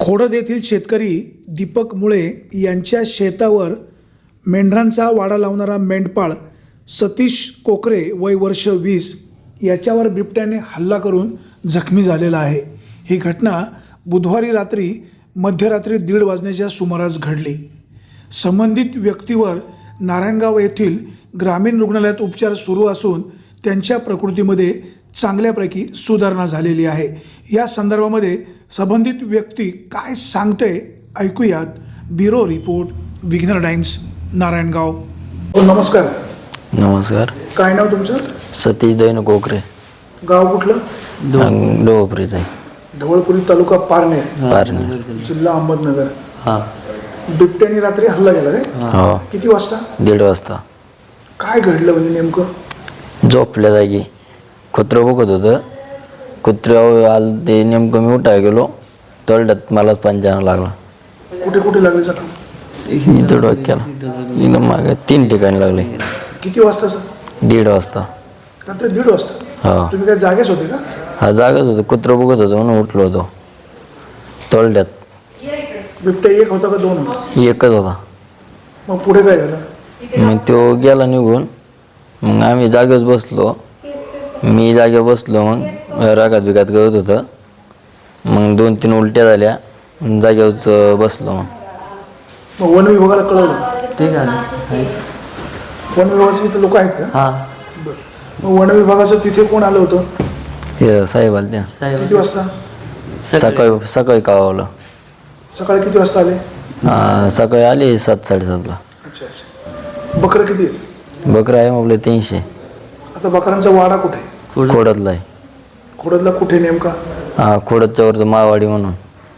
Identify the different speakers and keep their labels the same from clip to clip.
Speaker 1: खोडद येथील शेतकरी दीपक मुळे यांच्या शेतावर मेंढरांचा वाडा लावणारा मेंढपाळ सतीश कोकरे वय वर्ष 20 याच्यावर बिबट्याने हल्ला करून जखमी झालेला आहे। ही घटना बुधवारी रात्री मध्यरात्री 1:30 वाजण्याच्या सुमारास घडली। संबंधित व्यक्तीवर नारायणगाव येथील ग्रामीण रुग्णालयात उपचार सुरू असून त्यांच्या प्रकृतीमध्ये चांगल्यापैकी सुधारणा झालेली आहे। या संदर्भामध्ये संबंधित व्यक्ती काय सांगते ऐकूयात। Bureau report, Vighnahar Times, Narayangaon. नमस्कार।
Speaker 2: नमस्कार।
Speaker 1: काय नाव तुमचं?
Speaker 2: सतीश दैनू कोकरे।
Speaker 1: गाव कुठलं?
Speaker 2: ढवळपुरीच आहे।
Speaker 1: ढवळपुरी तालुका पारनेर, जिल्हा अहमदनगर।
Speaker 2: हां।
Speaker 1: बिबट्याने रात्री हल्ला केला रे?
Speaker 2: हो।
Speaker 1: किती वाजता?
Speaker 2: 1:30 वाजता।
Speaker 1: काय घडलं म्हणजे नेमकं?
Speaker 2: झोपल्या जागी कुत्रं बघत होतं, कुत्र्यावर आलं ते नेमकं मी उठाय गेलो, तळड्यात मलाच पंजाना लागला।
Speaker 1: कुठे कुठे लागले जखम?
Speaker 2: इथं डोक्याला, एकदम मागे 3 ठिकाणी लागले।
Speaker 1: किती वाजता सर?
Speaker 2: 1:30 वाजता।
Speaker 1: रात्री 1:30 वाजता?
Speaker 2: हा।
Speaker 1: तुम्ही काय जागेच होते का?
Speaker 2: हा, जागाच होतो, कुत्रं बघत होतं म्हणून उठलो होतो तळड्यात।
Speaker 1: बिबट्या एक होता का दोन होता?
Speaker 2: एकच होता।
Speaker 1: मग पुढे काय झालं?
Speaker 2: मग तो गेला निघून, मग आम्ही जागेच बसलो। मी जागेवर बसलो, मग रागात बिगात गळत होतं, मग 2-3 उलट्या झाल्या, जागेवर बसलो।
Speaker 1: मग वन विभागाला कळवलं?
Speaker 2: ठीक आहे।
Speaker 1: वन विभागाचे इथे लोक आहेत का?
Speaker 2: हां।
Speaker 1: मग वन विभागाचं तिथे कोण आलं होतं?
Speaker 2: हे साहेब आले ते।
Speaker 1: किती वाजता?
Speaker 2: सकाळी कळवलं।
Speaker 1: सकाळी किती वाजता आले?
Speaker 2: सकाळी आले 7-7:30ला।
Speaker 1: अच्छा अच्छा। बकरं किती आहेत?
Speaker 2: बकरं आहे आपले 300।
Speaker 1: आता बकरांचा वाडा कुठे आहे?
Speaker 2: खोडदला आहे।
Speaker 1: खोडदला कुठे नेमका?
Speaker 2: हां, खोडदच्या वरचं माळवाडी म्हणून।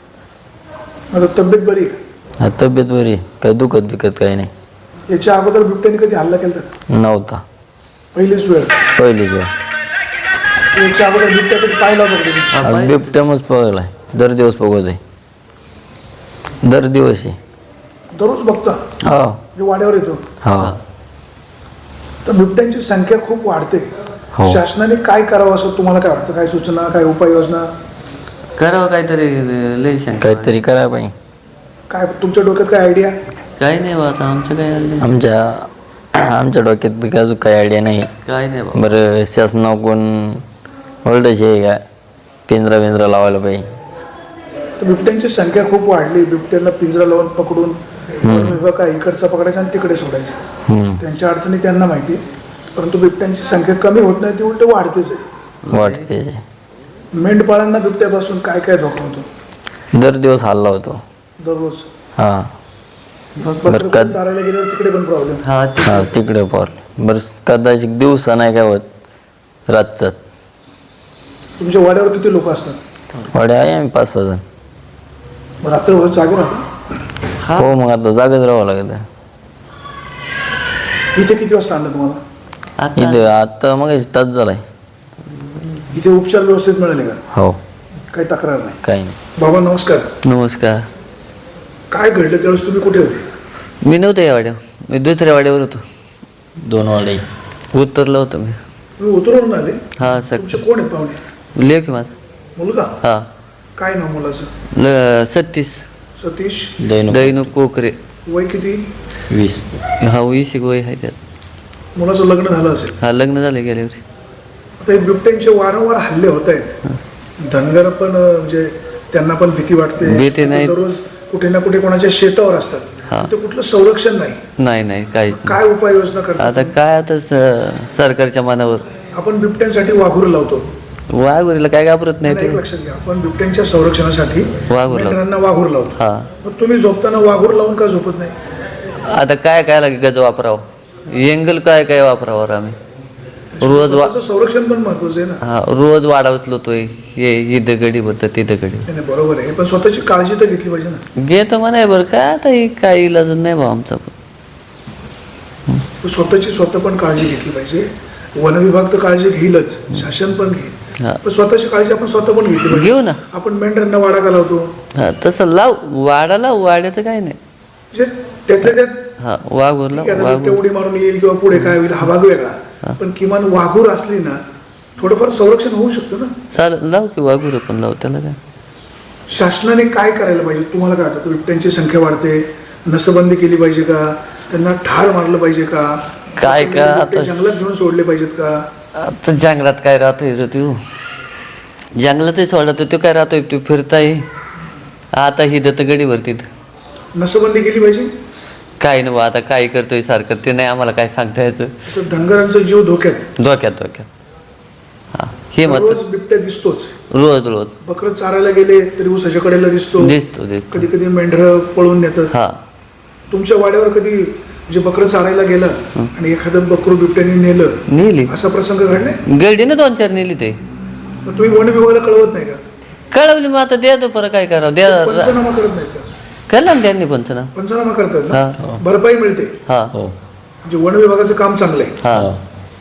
Speaker 1: आता तब्येत बरी आहे?
Speaker 2: हा, तब्येत बरी, काही दुखत काही नाही।
Speaker 1: याच्या अगोदर बिबट्याने कधी हल्ला केला
Speaker 2: नव्हता।
Speaker 1: पहिलीच वेळ?
Speaker 2: पहिलीच वेळ।
Speaker 1: याच्या अगोदर बिबट्या कधी पाहिला होता?
Speaker 2: बिबट्यामच पगलाय, दर दिवस पगवत आहे, दर दिवस आहे।
Speaker 1: दररोज बघता?
Speaker 2: हा।
Speaker 1: म्हणजे वाड्यावर येतो?
Speaker 2: हा।
Speaker 1: तर बिबट्यांची संख्या खूप वाढते।
Speaker 2: हो।
Speaker 1: शासनाने काय करावं असं तुम्हाला काय वाटतं? काय सूचना, काय उपाययोजना?
Speaker 3: करावं काहीतरी, लई शंका
Speaker 2: काहीतरी करायला पाहिजे।
Speaker 1: काय तुमच्या डोक्यात काय आयडिया?
Speaker 3: काही नाही बा, आता आमचं काय आलं
Speaker 2: आमच्या डोक्यात अजून काही आयडिया नाही।
Speaker 3: काय नाही बा।
Speaker 2: बरं, शासनावर कोण ओरडायचे आहे का? पिंजरा लावायला पाहिजे।
Speaker 1: तर बिबट्यांची संख्या खूप वाढली, बिबट्याला पिंजरा लावून पकडून विभाग काय इकडचा पकडायचा आणि तिकडे सोडायचं। त्यांच्या अडचणी त्यांना माहिती, परंतु बिबट्यांची संख्या कमी होत नाही, ती उलट वाढतेच आहे।
Speaker 2: वाटते।
Speaker 1: मेंढपाळांना बिबट्यापासून काय काय धोका होतो?
Speaker 2: दर दिवस हल्ला होतो
Speaker 1: दररोज?
Speaker 2: हां।
Speaker 1: बकरं चारायला गेल्यावर तिकडे पण प्रॉब्लेम?
Speaker 2: हा, तिकडे प्रॉब्लेम। बरं, कदाचित दिवसा नाही काय होत, रातचाच।
Speaker 1: तुमच्या वाड्यावर किती लोक असतात?
Speaker 2: वाड्या आहे आम्ही 5-6 जण।
Speaker 1: रात्रभर जागे राहतात?
Speaker 2: हो, मग आता जागच राहावं लागत।
Speaker 1: इथे किती वाजता आणलं तुम्हाला?
Speaker 2: इथे आता मग तास झालाय।
Speaker 1: इथे उपचार व्यवस्थित मिळाले का?
Speaker 2: हो।
Speaker 1: काही तक्रार नाही?
Speaker 2: काही नाही।
Speaker 1: बाबा नमस्कार।
Speaker 3: नमस्कार।
Speaker 1: काय घडलं त्यावेळेस? तुम्ही कुठे होते?
Speaker 3: मी नव्हतो या वाड्यावर, मी दुसऱ्या वाड्यावर होतो।
Speaker 2: 2 वाडे
Speaker 3: उतरलो होतो मी।
Speaker 1: तुम्ही उतरवून आले?
Speaker 3: हा सर।
Speaker 1: तुमचे कोण आहेत पाहुणे?
Speaker 3: लेख माझा
Speaker 1: मुलगा?
Speaker 3: हा।
Speaker 1: काय नाव मुलाचं?
Speaker 3: सतीश
Speaker 2: दैनू
Speaker 3: दैनू कोकरे।
Speaker 1: वय किती?
Speaker 2: 20।
Speaker 3: हा, 20 वय आहे त्यात।
Speaker 1: मुलाचं लग्न झालं असेल?
Speaker 3: हा, लग्न झालं गेल्या वर्षी।
Speaker 1: आता हे बिबट्यांचे वारंवार हल्ले होत आहेत, धनगर पण म्हणजे त्यांना पण भीती वाटते।
Speaker 3: भीती नाही।
Speaker 1: दररोज कुठे ना कुठे कोणाच्या शेतावर असतात, तिथे कुठलं संरक्षण नाही।
Speaker 3: नाही काहीच नाही।
Speaker 1: काय उपाययोजना करतात?
Speaker 3: आता काय, आता सरकारच्या मनावर।
Speaker 1: आपण बिबट्यांसाठी वाघूर लावतो,
Speaker 3: वाघुरीला काय घाबरत नाही
Speaker 1: एक लक्षात घ्या, आपण बिबट्यांच्या संरक्षणासाठी
Speaker 3: वाघूर लावतो।
Speaker 1: मेंढरांना वाघूर लावतो।
Speaker 3: हा।
Speaker 1: मग तुम्ही झोपताना वाघूर लावून का झोपत नाही?
Speaker 3: आता काय लागे गज वापरावं, एंगल काय वापरावं आम्ही रोज
Speaker 1: स्वतःचं संरक्षण पण महत्वाचं आहे ना।
Speaker 3: हा, रोज वाढवत लोतोय, हे इथं गडी भरतं तिथं गडी।
Speaker 1: नाही, बरोबर आहे, पण स्वतःची काळजी तर घेतली पाहिजे ना।
Speaker 3: घेतो म्हणाय बरं, काय आता काही इलाज नाही बा आमचा पण।
Speaker 1: स्वतःची स्वतः पण काळजी घेतली पाहिजे। वन विभाग तर काळजी घेईलच, शासन पण घेईल, पण स्वतःची काळजी आपण स्वतः पण घेतली पाहिजे।
Speaker 3: घेऊ ना।
Speaker 1: आपण मेंढरांना वाडा का लावतो?
Speaker 3: हा, तसं लाव, वाड्याचं काय नाही,
Speaker 1: म्हणजे त्यातल्या त्यात
Speaker 3: हा वाघूरला
Speaker 1: उडी मारून येईल किंवा पुढे काय होईल हा भाग वेगळा, पण किमान वाघूर असली ना थोडंफार संरक्षण होऊ शकतं ना।
Speaker 3: चाल, लाव की वाघूर पण लाव, त्याला काय।
Speaker 1: शासनाने काय करायला पाहिजे तुम्हाला काय वाटतं? बिबट्यांची संख्या वाढते, नसबंदी केली पाहिजे का? त्यांना ठार मारलं पाहिजे का?
Speaker 3: काय का
Speaker 1: बिबटे
Speaker 3: आता
Speaker 1: जंगलात घेऊन सोडले पाहिजेत का?
Speaker 3: आता जंगलात काय राहतोय रे तू? जंगलातही सोडतो तो काय राहतोय तू फिरताय. आता ही दत्त गडीवरती
Speaker 1: नसबंदी केली पाहिजे.
Speaker 3: काय नव्ह आता काय करतोय सारखं ते नाही आम्हाला काय सांगता यायचं.
Speaker 1: तर धनगरांचा जीव धोक्यात.
Speaker 3: धोक्यात हा हे मत
Speaker 1: रोज बिबट्या दिसतोच.
Speaker 3: रोज रोज
Speaker 1: बकरं चारायला गेले तरी ऊसाच्या कडेला दिसतो.
Speaker 3: दिसतो
Speaker 1: कधी कधी मेंढरं पळून नेतात.
Speaker 3: हा
Speaker 1: तुमच्या वाड्यावर कधी म्हणजे बकरं चारायला गेलं आणि एखादं बकरू बिबट्याने नेलं
Speaker 3: नेली
Speaker 1: असा प्रसंग घडलाय?
Speaker 3: गडीनं 2-4 नेली ते.
Speaker 1: मग तुम्ही वन विभागाला कळवत नाही का?
Speaker 3: कळवली मग आता द्या तो परत काय करावं द्या.
Speaker 1: पंचनामा करत नाहीत का?
Speaker 3: केलं ना त्यांनी पंचनामा.
Speaker 1: पंचनामा करतात
Speaker 3: हा.
Speaker 1: ना, भरपाई मिळते.
Speaker 3: हा
Speaker 1: म्हणजे वन विभागाचं काम चांगलं आहे.
Speaker 3: हा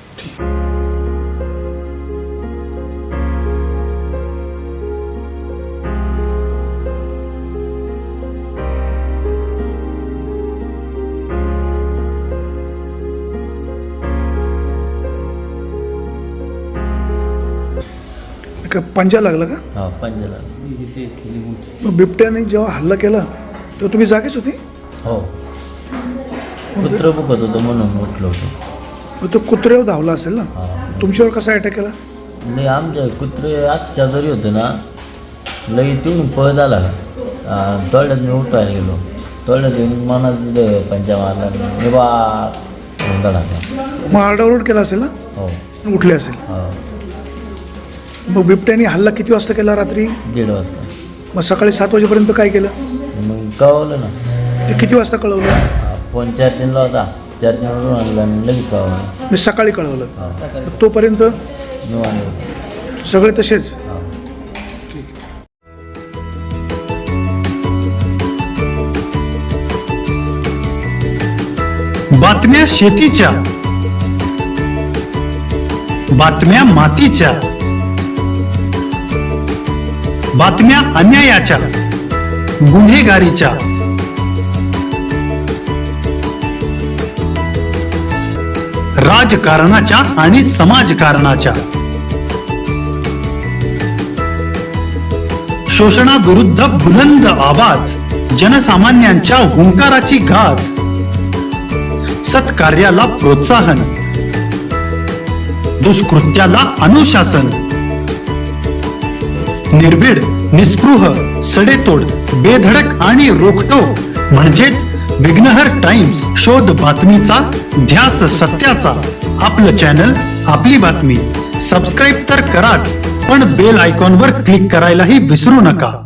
Speaker 1: का पंजा लागला का?
Speaker 2: हा पंजाला.
Speaker 1: मग बिबट्याने जेव्हा हल्ला केला तेव्हा तुम्ही जागेच होते?
Speaker 2: हो कुत्रं बघत होतं म्हणून उठलो होतो.
Speaker 1: मग तो कुत्र्यावर धावला असेल ना,
Speaker 2: हा
Speaker 1: तुमच्यावर कसा अटॅक केला?
Speaker 2: लई आमच्या कुत्रे असं शेजारी होते ना, लई तिकडून पळत आला. तळ्यात मी उठवायला गेलो, तळ्यात येऊन मनात पंचा मारला मी बा
Speaker 1: मग आरडाओरड केला असेल ना,
Speaker 2: हो
Speaker 1: उठले असेल.
Speaker 2: हा
Speaker 1: मग बिबट्याने हल्ला किती वाजता केला? रात्री
Speaker 2: 1:30 वाजता.
Speaker 1: मग सकाळी 7 वाजेपर्यंत काय केलं?
Speaker 2: मग कळवलं ना,
Speaker 1: ते किती वाजता कळवलं?
Speaker 2: फोन चार्जिंगला होता, चार्जिंगवरून आणला आणि लगेच कळवलं.
Speaker 1: मी सकाळी कळवलं.
Speaker 2: हा
Speaker 1: मग तोपर्यंत
Speaker 2: निवांत.
Speaker 1: सगळे तसेच.
Speaker 2: हा
Speaker 4: बातम्या शेतीच्या, बातम्या मातीच्या, बातम्या अन्यायाच्या, गुन्हेगारीच्या, राजकारणाच्या आणि समाजकारणाच्या, शोषणाविरुद्ध बुलंद आवाज, जनसामान्यांच्या हुंकाराची गाज, सत्कार्याला प्रोत्साहन, दुष्कृत्याला अनुशासन, निर्भीड, निस्पृह, सडेतोड, बेधडक आणि रोखटोक म्हणजेच विघ्नहर टाइम्स. शोध बातमीचा, ध्यास सत्याचा. आपलं चॅनल, आपली बातमी. सबस्क्राईब तर कराच, पण बेल आयकॉनवर क्लिक करायलाही विसरू नका.